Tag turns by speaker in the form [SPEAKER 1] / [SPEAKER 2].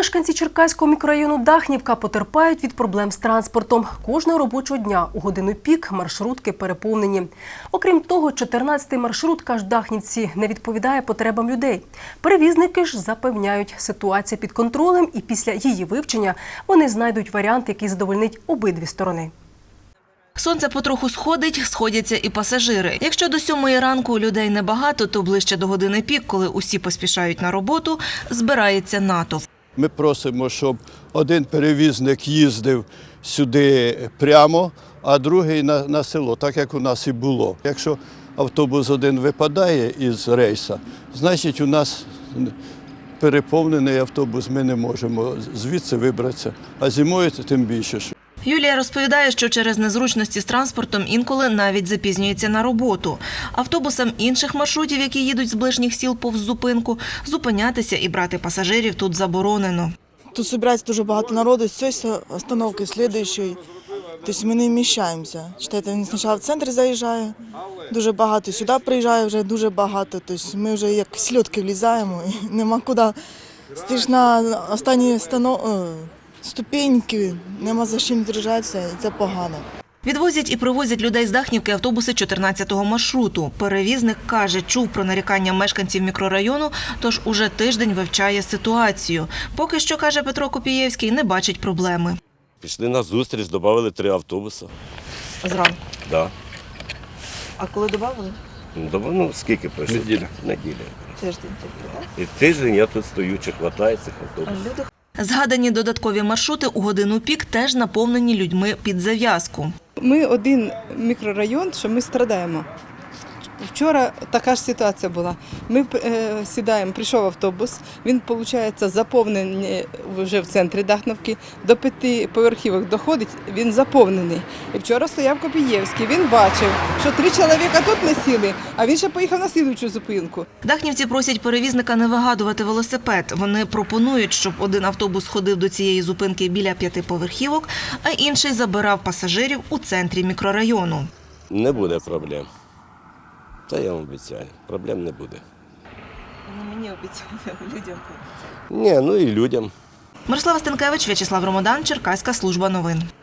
[SPEAKER 1] Мешканці Черкаського мікрорайону Дахнівка потерпають від проблем з транспортом. Кожного робочого дня у годину пік маршрутки переповнені. Окрім того, 14-й маршрут, каже Дахнівці, не відповідає потребам людей. Перевізники ж запевняють, ситуація під контролем і після її вивчення вони знайдуть варіант, який задовольнить обидві сторони.
[SPEAKER 2] Сонце потроху сходить, сходяться і пасажири. Якщо до 7-ї ранку людей небагато, то ближче до години пік, коли усі поспішають на роботу, збирається натовп.
[SPEAKER 3] Ми просимо, щоб один перевізник їздив сюди прямо, а другий на село, так як у нас і було. Якщо автобус один випадає із рейсу, значить у нас переповнений автобус, ми не можемо звідси вибратися, а зимою тим більше.
[SPEAKER 2] Юлія розповідає, що через незручності з транспортом інколи навіть запізнюється на роботу. Автобусам інших маршрутів, які їдуть з ближніх сіл повз зупинку, зупинятися і брати пасажирів тут заборонено.
[SPEAKER 4] Тут збирається дуже багато народу, з цієї остановки, з слідуючої. Тобто ми не вміщаємося. Читайте, він спочатку в центр заїжджає, дуже багато, сюди приїжджає вже дуже багато. Тобто ми вже як сльотки влізаємо і нема куди. Стиш на останні ступеньки, нема за чим держатися, і це погано.
[SPEAKER 2] Відвозять і привозять людей з Дахнівки автобуси 14-го маршруту. Перевізник каже, чув про нарікання мешканців мікрорайону, тож уже тиждень вивчає ситуацію. Поки що, каже Петро Копієвський, не бачить проблеми.
[SPEAKER 5] Пішли на зустріч, додали 3 автобуси.
[SPEAKER 2] Зранку?
[SPEAKER 5] Да.
[SPEAKER 2] А коли додали?
[SPEAKER 5] Ну, скільки пройшло? Неділя.
[SPEAKER 2] Тиждень.
[SPEAKER 5] І тиждень я тут стою, чи хватає цих автобусів.
[SPEAKER 2] Згадані додаткові маршрути у годину пік теж наповнені людьми під зав'язку.
[SPEAKER 6] Ми один мікрорайон, що ми страдаємо. Вчора така ж ситуація була. Ми сідаємо, прийшов автобус, він, виходить, заповнений вже в центрі Дахновки, до 5 поверхівок доходить, він заповнений. І вчора стояв Копієвський, він бачив, що 3 чоловіка тут не сіли, а він ще поїхав на слідуючу зупинку.
[SPEAKER 2] Дахнівці просять перевізника не вигадувати велосипед. Вони пропонують, щоб один автобус ходив до цієї зупинки біля 5 поверхівок, а інший забирав пасажирів у центрі мікрорайону.
[SPEAKER 5] Не буде проблем. Це я вам обіцяю, проблем не буде.
[SPEAKER 2] Не мені обіцяють, людям.
[SPEAKER 5] Ні, ну і людям.
[SPEAKER 2] Мирослава Стенкевич, В'ячеслав Ромодан, Черкаська служба новин.